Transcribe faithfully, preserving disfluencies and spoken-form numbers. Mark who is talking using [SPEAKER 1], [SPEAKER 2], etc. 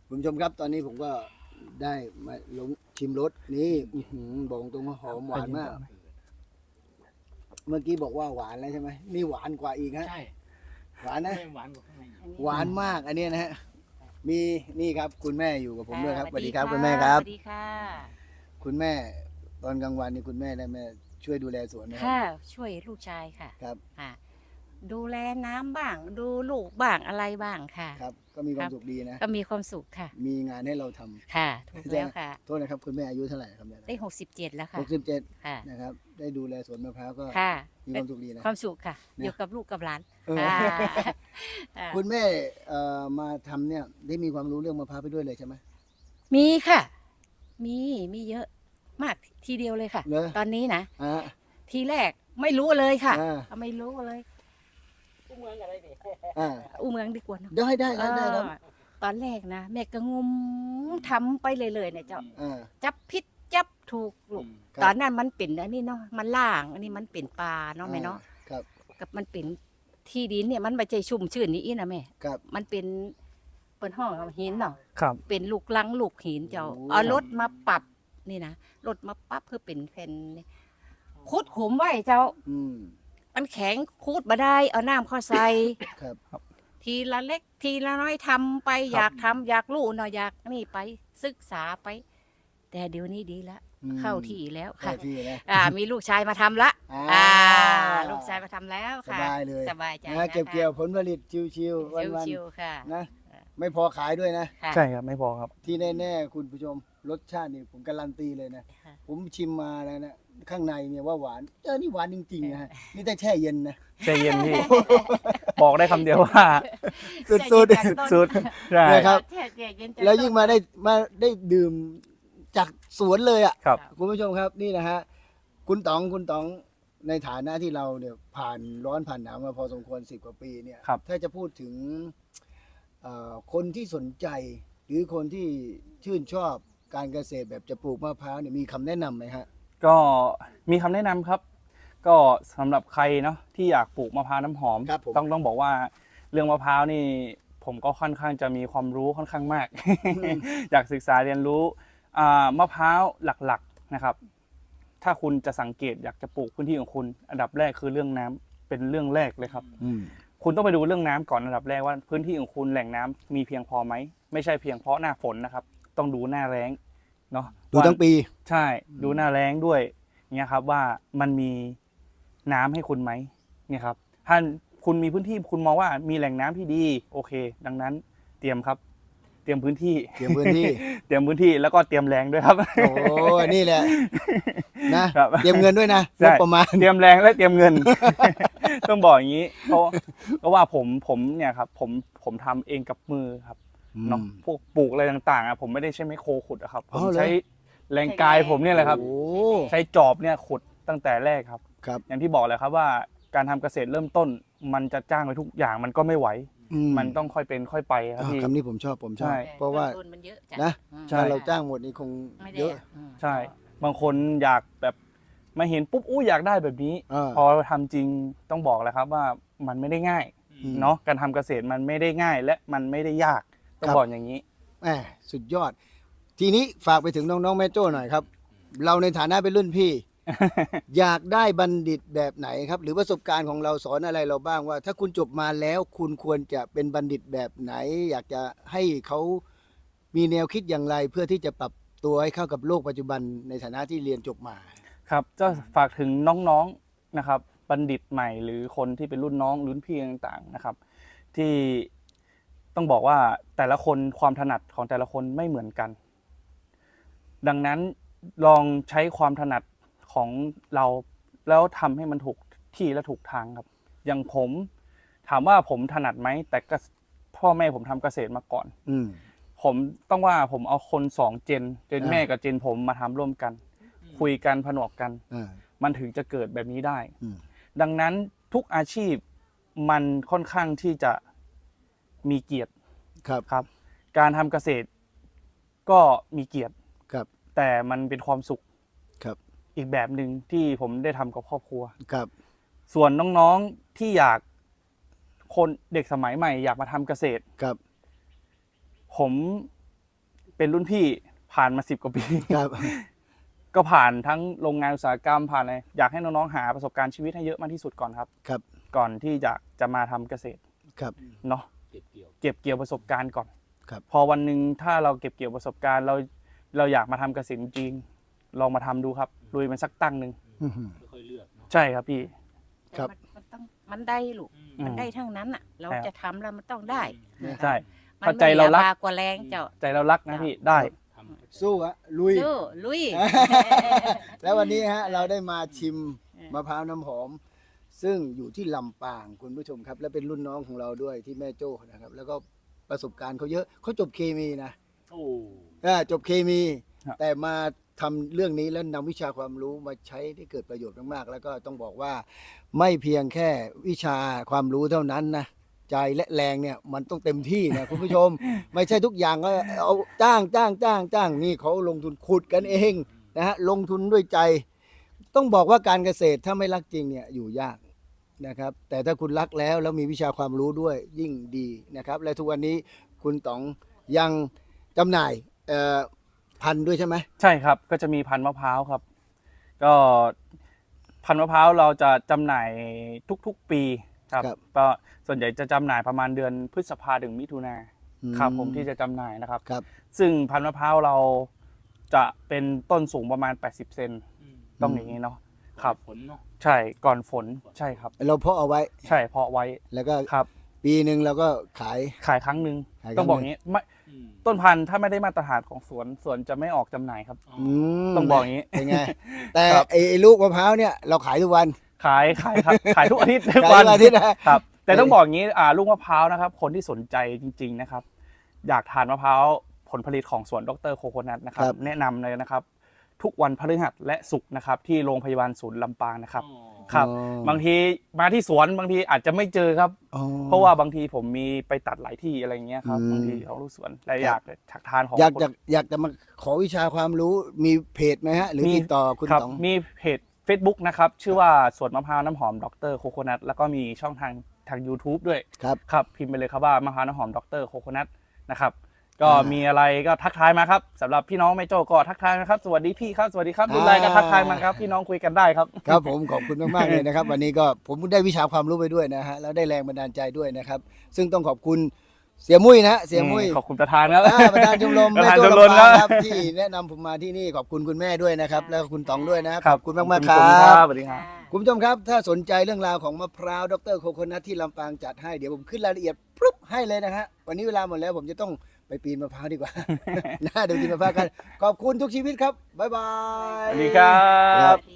[SPEAKER 1] คุณผู้ชมครับตอนนี้ผมก็ได้มาลงชิมรสนี่อื้อหือบอกตรงว่าหอมหวานมาก เมื่อกี้บอกว่าหวานแล้วใช่ไหมนี่หวานกว่าอีกฮะ
[SPEAKER 2] ใช่
[SPEAKER 1] หวานนะ
[SPEAKER 2] ไม่หวานกว่าข้างใน
[SPEAKER 1] หวานมากอันเนี้ยนะฮะมีนี่ครับคุณแม่อยู่กับผมด้วยครับ
[SPEAKER 3] ะ
[SPEAKER 1] สวัสดีครับ
[SPEAKER 3] ะ
[SPEAKER 1] คุณแม่ครับ
[SPEAKER 3] สวัสดีค่ะ
[SPEAKER 1] คุณแม่ตอนกลางวันนี่คุณแม่ได้แม่ช่วยดูแลสวนนะครั
[SPEAKER 3] ค่ะ
[SPEAKER 1] บ
[SPEAKER 3] ช่วยลูกชายค่ะ
[SPEAKER 1] ครับ
[SPEAKER 3] ค่ะ ดูแลน้ำบ้าง ดูลูกบ้างอะไรบ้างค่ะ
[SPEAKER 1] ครับ ก็มีความสุขดีนะ
[SPEAKER 3] ก็มีความสุขค่ะ
[SPEAKER 1] มีงานให้เราทำ
[SPEAKER 3] ค่ะ ถูกแล้วค่ะ
[SPEAKER 1] โทษนะครับคุณแม่อายุเท่าไหร่ครับเนี่ย
[SPEAKER 3] ได้หกสิบเจ็ดแล้วค่ะ
[SPEAKER 1] หกสิบเจ็ด
[SPEAKER 3] ค่ะ
[SPEAKER 1] นะครับได้ดูแลสวนมะพร้าวก็
[SPEAKER 3] ค่ะ
[SPEAKER 1] มีความสุขดีนะ
[SPEAKER 3] ความสุขค่ะ
[SPEAKER 1] นะ
[SPEAKER 3] อยู่กับลูกกับหลาน
[SPEAKER 1] เออ
[SPEAKER 3] ค่ะอ่า
[SPEAKER 1] คุณแม่เอ่อมาทำเนี่ยได้มีความรู้เรื่องมะพร้าวไปด้วยเลยใช่ไหม
[SPEAKER 3] มีค่ะ มี มีเยอะมากทีเดียวเลยค่ะ
[SPEAKER 1] เหรอ
[SPEAKER 3] ตอนนี้นะ
[SPEAKER 1] อ่า
[SPEAKER 3] ทีแรกไม่รู้เลยค่ะ
[SPEAKER 1] อ่า
[SPEAKER 3] ไม่รู้เลย
[SPEAKER 2] เมืองอะไรเนี่ย
[SPEAKER 1] อ่า
[SPEAKER 3] อู้เมืองดีกว่าเนอะ
[SPEAKER 1] ได้ได้ได้ได้ครับ
[SPEAKER 3] เออตอนแรกนะแม่ก็งมทำไปเลยๆเนี่ยเจ้า
[SPEAKER 1] อ่า
[SPEAKER 3] จับพิษจับถูกลูก
[SPEAKER 1] ครับ
[SPEAKER 3] ตอนนั้นมันเป็นอันนี้เนาะมันล่าง อันนี้มันเป็นปลาเนาะแม่เนาะ
[SPEAKER 1] ครับ
[SPEAKER 3] กับมันเป็นที่ดินเนี่ยมันไม่ใช่ชุ่มชื่นนี่อีนะแม่
[SPEAKER 1] ครับ
[SPEAKER 3] มันเป็นเปิดห้องเอาหินเนาะ
[SPEAKER 4] ครับ
[SPEAKER 3] เป็นลูกลังลูกหินเจ้า
[SPEAKER 1] โอ้
[SPEAKER 3] เอารถมาปรับนี่นะรถมาปรับเพื่อเป็นแผ่นนี่คุดขุมไว้เจ้า
[SPEAKER 1] อืม
[SPEAKER 3] มันแข็งคูดมาได้ เอาน้ำเข้าใส่
[SPEAKER 1] ครับ
[SPEAKER 3] ทีละเล็กทีละน้อยทำไปอยากทำอยากรู้เนาะอยากนี่ไปศึกษาไป แต่เดี๋ยวนี้ดีแล้ว
[SPEAKER 1] อืม
[SPEAKER 3] เข้าที่แล้ว
[SPEAKER 1] เข้า
[SPEAKER 3] ค่ะ
[SPEAKER 1] ที่นะ
[SPEAKER 3] อ่า มีลูกชายมาทำละ
[SPEAKER 1] อ่า
[SPEAKER 3] อ่า ลูกชายมาทำแล้ว
[SPEAKER 1] ส
[SPEAKER 3] ค่ะ
[SPEAKER 1] บายเลย
[SPEAKER 3] สบายใจ
[SPEAKER 1] นะเก็บเกี่ยวผลผลิตชิวๆ
[SPEAKER 3] ชิว
[SPEAKER 1] วัน
[SPEAKER 3] ชิวๆค่ะ
[SPEAKER 1] ๆนะไม่พอขายด้วยนะ
[SPEAKER 3] ค่ะ
[SPEAKER 4] ใช่ครับไม่พอครับ
[SPEAKER 1] ที่แน่ๆคุณผู้ชมรสชาตินี่ผมการันตีเลยนะ
[SPEAKER 3] ค่ะ
[SPEAKER 1] ผมชิมมาแล้วนะข้างในเนี่ยว่าหวานเออนี่หวานจริงๆนะฮะนี่แต่แช่เย็นนะ
[SPEAKER 4] ใจเย็นพี่ บอกได้คำเดียวว่า
[SPEAKER 1] สุด
[SPEAKER 4] สุดใช่
[SPEAKER 1] นะครับ
[SPEAKER 3] แช่เย็นๆ
[SPEAKER 1] ๆแล้วยิ่งมาได้มาได้ดื่มจากสวนเลยอ่ะ
[SPEAKER 4] ครับ
[SPEAKER 1] คุณผู้ชมครับนี่นะฮะคุณต๋องคุณต๋องในฐานะที่เราเนี่ยผ่านร้อนผ่านหนาวมาพอสมควรสิบกว่าปีเนี่ย
[SPEAKER 4] ครับ
[SPEAKER 1] ถ้าจะพูดถึงเอ่อคนที่สนใจ หรือคนที่ชื่นชอบการเกษตรแบบจะปลูกมะพร้าวเนี่ยมีคำแนะนำไหมฮะ
[SPEAKER 4] ก็มีคำแนะนำครับ ก็สำหรับใครเนาะที่อยากปลูกมะพร้าวน้ำหอม
[SPEAKER 1] ครับผม
[SPEAKER 4] ต้องต้องบอกว่าเรื่องมะพร้าวนี่ ผมก็ค่อนข้างจะมีความรู้ค่อนข้างมาก อยากศึกษาเรียนรู้อ่ามะพร้าวหลักๆนะครับ ถ้าคุณจะสังเกตอยากจะปลูกพื้นที่ของคุณ อันดับแรกคือเรื่องน้ำเป็นเรื่องแรกเลยครับ
[SPEAKER 1] อืม
[SPEAKER 4] คุณต้องไปดูเรื่องน้ำก่อนอันดับแรกว่าพื้นที่ของคุณแหล่งน้ำมีเพียงพอไหมไม่ใช่เพียงเพราะหน้าฝนนะครับ ต้องดูหน้าแล้งเนาะ
[SPEAKER 1] ดูทั้งปี
[SPEAKER 4] ใช่ดูหน้าแล้งด้วยเนี่ยครับว่ามันมีน้ำให้คุณไหมเนี่ยครับถ้าคุณมีพื้นที่คุณมองว่ามีแหล่งน้ำที่ดีโอเค ดังนั้นเตรียมครับ เตรียมพื้นที่
[SPEAKER 1] เตรียมพื้นที่
[SPEAKER 4] เตรียมพื้นที่แล้วก็เตรียมแรงด้วยครับ
[SPEAKER 1] โอ้นี่แหละนะครับ เตรียมเงินด้วยนะ
[SPEAKER 4] ใช่
[SPEAKER 1] งบประมาณ
[SPEAKER 4] เตรียมแรงและเตรียมเงิน ต้องบอกอย่างนี้เพราะเพราะว่าผมผมเนี่ยครับผมผมทำเองกับมือครับเนาะพวกปลูกอะไรต่างๆอ่ะผมไม่ได้ใช้ไมโครขุดอะครับผ
[SPEAKER 1] อ๋
[SPEAKER 4] ม
[SPEAKER 1] อเหรอ
[SPEAKER 4] ใช้แรงกายผมเนี่ยแหละครับ
[SPEAKER 1] โอ้
[SPEAKER 4] ใช้จอบเนี่ยขุดตั้งแต่แรกครับ
[SPEAKER 1] ครับ
[SPEAKER 4] อย่างที่บอกเลยครับว่าการทำเกษตรเริ่มต้น มันจะจ้างไปทุกอย่างมันก็ไม่ไหว
[SPEAKER 1] อื
[SPEAKER 4] มันต้องค่อยเป็นค่อยไปครับ
[SPEAKER 1] อ่า
[SPEAKER 4] พี่
[SPEAKER 1] คำนี้ผมชอบผมชอบ
[SPEAKER 4] ใช่
[SPEAKER 1] เพราะว่า
[SPEAKER 3] ต้นมันเยอะจ้ะ
[SPEAKER 1] นะ
[SPEAKER 3] อืม
[SPEAKER 4] ใช่
[SPEAKER 1] ถ้าเราจ้างหมดนี่คง
[SPEAKER 3] ไม่ได้
[SPEAKER 1] เยอะ
[SPEAKER 3] อืม
[SPEAKER 4] ใช่ บางคนอยากแบบมาเห็นปุ๊บอู้อยากได้แบบนี้
[SPEAKER 1] อ่า
[SPEAKER 4] พอทำจริงต้องบอกเลยครับว่ามันไม่ได้ง่าย
[SPEAKER 1] อืม
[SPEAKER 4] เนาะการทำเกษตรมันไม่ได้ง่าย และมันไม่ได้ยากต้อง
[SPEAKER 1] ครับ
[SPEAKER 4] บอกอย่างนี้
[SPEAKER 1] แหมสุดยอด ทีนี้ฝากไปถึงน้องๆแม่โจ้หน่อยครับ เราในฐานะเป็นรุ่นพี่ อยากได้บัณฑิตแบบไหนครับ หรือประสบการณ์ของเราสอนอะไรเราบ้างว่า ถ้าคุณจบมาแล้วคุณควรจะเป็นบัณฑิตแบบไหน อยากจะให้เขามีแนวคิดอย่างไร เพื่อที่จะปรับตัวให้เข้ากับโลกปัจจุบันในฐานะที่เรียนจบมา
[SPEAKER 4] ครับจะฝากถึงน้องๆนะครับบัณฑิตใหม่หรือคนที่เป็นรุ่นน้องรุ่นพี่ต่างๆนะครับ ที่ต้องบอกว่าแต่ละคนความถนัดของแต่ละคนไม่เหมือนกัน ดังนั้นลองใช้ความถนัดของเราแล้วทำให้มันถูกที่และถูกทางครับ อย่างผมถามว่าผมถนัดไหมแต่ก็พ่อแม่ผมทำเกษตรมาก่อน
[SPEAKER 1] อืม
[SPEAKER 4] ผมต้องว่าผมเอาคนสองเจนเจน
[SPEAKER 1] อ่า
[SPEAKER 4] แม่กับเจนผมมาทำร่วมกัน คุยกันผนวกกัน
[SPEAKER 1] อ่า
[SPEAKER 4] มันถึงจะเกิดแบบนี้ได้
[SPEAKER 1] อืม
[SPEAKER 4] ดังนั้นทุกอาชีพมันค่อนข้างที่จะมีเกียรติ
[SPEAKER 1] ครับ
[SPEAKER 4] ครับ การทำเกษตรก็มีเกียรติ
[SPEAKER 1] ครับ
[SPEAKER 4] แต่มันเป็นความสุข
[SPEAKER 1] ครับ
[SPEAKER 4] อีกแบบหนึ่งที่ผมได้ทำกับครอบครัว
[SPEAKER 1] ครับ
[SPEAKER 4] ส่วนน้องๆที่อยากคนเด็กสมัยใหม่อยากมาทำเกษตร
[SPEAKER 1] ครับ
[SPEAKER 4] ผมเป็นรุ่นพี่ผ่านมาสิบกว่าปี
[SPEAKER 1] ครับ
[SPEAKER 4] ก็ผ่านทั้งโรงงานอุตสาหกรรมผ่านอะไรอยากให้น้องๆหาประสบการณ์ชีวิตให้เยอะมากที่สุดก่อนครับ
[SPEAKER 1] ครับ
[SPEAKER 4] ก่อนที่จะจะมาทำเกษตร
[SPEAKER 1] ครับ
[SPEAKER 4] เนาะ
[SPEAKER 2] เก็บเกี่ยว
[SPEAKER 4] เก็บเกี่ยวประสบการณ์ก่อน
[SPEAKER 1] ครับ
[SPEAKER 4] พอวันหนึ่งถ้าเราเก็บเกี่ยวประสบการณ์เราเราอยากมาทำเกษตรจริงลองมาทำดูครับลุยมันสักตั้งหนึ่ง
[SPEAKER 1] อื้อหือ
[SPEAKER 2] ค่อยๆเลือกเนาะ
[SPEAKER 4] ใช่ครับพี่
[SPEAKER 1] ครับ
[SPEAKER 3] แต่มันมันต้องมันได้ลูก
[SPEAKER 2] อืม
[SPEAKER 3] มันได้ทั้งนั้นอ่ะ เรา
[SPEAKER 4] ใช่ครับ
[SPEAKER 3] จะทำแล้วมันต้องได้
[SPEAKER 4] ใช่
[SPEAKER 3] มัน
[SPEAKER 4] ถ้าใจ
[SPEAKER 3] ไม่
[SPEAKER 4] เรารัก
[SPEAKER 3] อย่บากว่าแรงเจ้า
[SPEAKER 4] ใจเรารักนะพี่ได้
[SPEAKER 2] ทำ
[SPEAKER 1] สู้อะลุย
[SPEAKER 3] สู้ลุย
[SPEAKER 1] แล้ววันนี้ฮะเราได้มาชิม
[SPEAKER 3] เออ
[SPEAKER 1] มะพร้าวน้ำหอม ซึ่งอยู่ที่ลำปางคุณผู้ชมครับ และเป็นรุ่นน้องของเราด้วยที่แม่โจ้นะครับ แล้วก็ประสบการณ์เขาเยอะเขาจบเคมีนะ
[SPEAKER 2] โอ้
[SPEAKER 1] อ่าจบเคมี
[SPEAKER 4] ครับ
[SPEAKER 1] แต่มาทำเรื่องนี้แล้วนำวิชาความรู้มาใช้ได้เกิดประโยชน์มากๆแล้วก็ต้องบอกว่าไม่เพียงแค่วิชาความรู้เท่านั้นนะใจและแรงเนี่ยมันต้องเต็มที่นะ คุณผู้ชม ไม่ใช่ทุกอย่างก็เอาจ้างจ้างจ้างจ้างนี่เขาลงทุนขุดกันเองนะฮะลงทุนด้วยใจ ต้องบอกว่าการเกษตรถ้าไม่รักจริงเนี่ยอยู่ยากนะครับ แต่ถ้าคุณรักแล้วแล้วมีวิชาความรู้ด้วยยิ่งดีนะครับ และทุกวันนี้คุณต๋องยังจำหน่ายเอ่อพันธุ์ด้วยใช่ไหม
[SPEAKER 4] ใช่ครับก็จะมีพันธุ์มะพร้าวครับ ก็พันธุ์มะพร้าวเราจะจำหน่ายทุกๆปีครับ
[SPEAKER 1] ครับ
[SPEAKER 4] ก็ส่วนใหญ่จะจำหน่ายประมาณเดือนพฤษภาถึงมิถุนา
[SPEAKER 1] อืม
[SPEAKER 4] ครับผมที่จะจำหน่ายนะครับ
[SPEAKER 1] ครับ
[SPEAKER 4] ซึ่งพันธุ์มะพร้าวเราจะเป็นต้นสูงประมาณแปดสิบเซน
[SPEAKER 2] อืม
[SPEAKER 4] ต้องอย่างนี้เนาะครับ
[SPEAKER 2] ผลเนาะ
[SPEAKER 4] ใช่ก่อนฝนใช่ครับ
[SPEAKER 1] เราเพาะเอาไว้
[SPEAKER 4] ใช่เพาะไว้
[SPEAKER 1] แล้วก็
[SPEAKER 4] ครับ
[SPEAKER 1] ปีหนึ่งเราก็ขาย
[SPEAKER 4] ขายครั้งหนึ่ง
[SPEAKER 1] ขายครั้ง
[SPEAKER 4] ต้องบอกอย่างนี้ไม่
[SPEAKER 2] อืม
[SPEAKER 4] ต้นพันธุ์ถ้าไม่ได้มาตรฐานของสวนสวนจะไม่ออกจำหน่ายครับ
[SPEAKER 2] อ๋อ
[SPEAKER 1] อืม
[SPEAKER 4] ต้องบอกอย่างนี้
[SPEAKER 1] เป็นไง แต่
[SPEAKER 4] ครับ
[SPEAKER 1] ไอ้ไอ้ลูกมะพร้าวเนี่ยเราขายทุกวัน
[SPEAKER 4] ขายขายครับ ขายทุกอาทิตย์ทุก
[SPEAKER 1] ขาย
[SPEAKER 4] วัน
[SPEAKER 1] ทุกอาทิตย์นะครับ
[SPEAKER 4] แต่ต้องบอกอย่างนี้อ่าลูกมะพร้าวนะครับ คนที่สนใจจริง ๆนะครับ อยากทานมะพร้าวผลผลิตของสวนดรโคโคนัทนะครับ แนะนำเลยนะครับ ทุกวันพฤหัสและศุกร์นะครับ ที่โรงพยาบาลศูนย์ลำปางนะครับ
[SPEAKER 2] อ๋อ
[SPEAKER 4] ครับ
[SPEAKER 1] อ๋อ
[SPEAKER 4] บางทีมาที่สวนบางทีอาจจะไม่เจอครับ
[SPEAKER 1] อ๋อ
[SPEAKER 4] เพราะว่าบางทีผมมีไปตัดหลายที่อะไรเงี้ยครับ
[SPEAKER 1] อืม
[SPEAKER 4] บางทีเขาลูกสวนและ
[SPEAKER 1] ครับ
[SPEAKER 4] อยากอยากทานของ
[SPEAKER 1] อยาก
[SPEAKER 4] คน
[SPEAKER 1] จะอยากจะมาขอวิชาความรู้มีเพจไหมฮะ หรือ
[SPEAKER 4] มี
[SPEAKER 1] ติดต่อคุณ
[SPEAKER 4] ครับ
[SPEAKER 1] ต๋อง
[SPEAKER 4] มีเพจ Facebook นะครับ ชื่อว่าสวนมะพร้าวน้ำหอมดรโคโคนัทแล้วก็มีช่องทางทาง YouTube ด้วย
[SPEAKER 1] ครับ
[SPEAKER 4] ครับ พิมพ์ไปเลยครับว่ามะพร้าวน้ำหอมดรโคโคนัทนะครับ ก็
[SPEAKER 1] อ่ามี
[SPEAKER 4] มีอะไรก็ทักทายมาครับสำหรับพี่น้องแม่โจ้ก็ทักทายนะครับ สวัสดีพี่ครับสวัสดีครับรุ่นไรก็ทักทายมาครับพี่น้องคุยกันได้ครับ
[SPEAKER 1] ครับผมขอบคุณมากๆเลยนะครับ วันนี้ก็ผมได้วิชาความรู้ไปด้วยนะฮะแล้วได้แรงบันดาลใจด้วยนะครับ ซึ่งต้องขอบคุณเสียมุ้ยนะฮะเสียมุ้ย
[SPEAKER 4] ขอบคุณประธานครับ
[SPEAKER 1] อ่าประธานชมรม
[SPEAKER 4] ประ
[SPEAKER 1] แม่
[SPEAKER 4] ธาน
[SPEAKER 1] โจ้
[SPEAKER 4] ชมรม
[SPEAKER 1] ลำปาง
[SPEAKER 4] ค
[SPEAKER 1] ค
[SPEAKER 4] รั
[SPEAKER 1] รับ บที่แนะนำผมมาที่นี่ขอบคุณคุณแม่ด้วยนะครับ แล้วก็คุณต๋องด้วยนะ
[SPEAKER 4] ค
[SPEAKER 1] ข
[SPEAKER 4] รั
[SPEAKER 1] อบคุณมากๆค
[SPEAKER 4] ข
[SPEAKER 1] รั
[SPEAKER 4] อบคุณครับ บสวัสดีครับ
[SPEAKER 1] คุณผู้ชมครับ ถ้าสนใจเรื่องราวของมะพร้าวดรโคโคนัทที่ลำปางจัดให้เดี๋ยวผมขึ้นรายละเอียดปุ๊บให้เลยนะฮะวันนี้เวลาหมดแล้วผมจะต้องไปปีนมะพร้าวดีกว่า น่าเดี๋ยวปีนมะพร้าวกันขอบคุณทุกชีวิตครับบ๊ายบาย
[SPEAKER 4] สวัสดีครับ
[SPEAKER 3] สวัสดี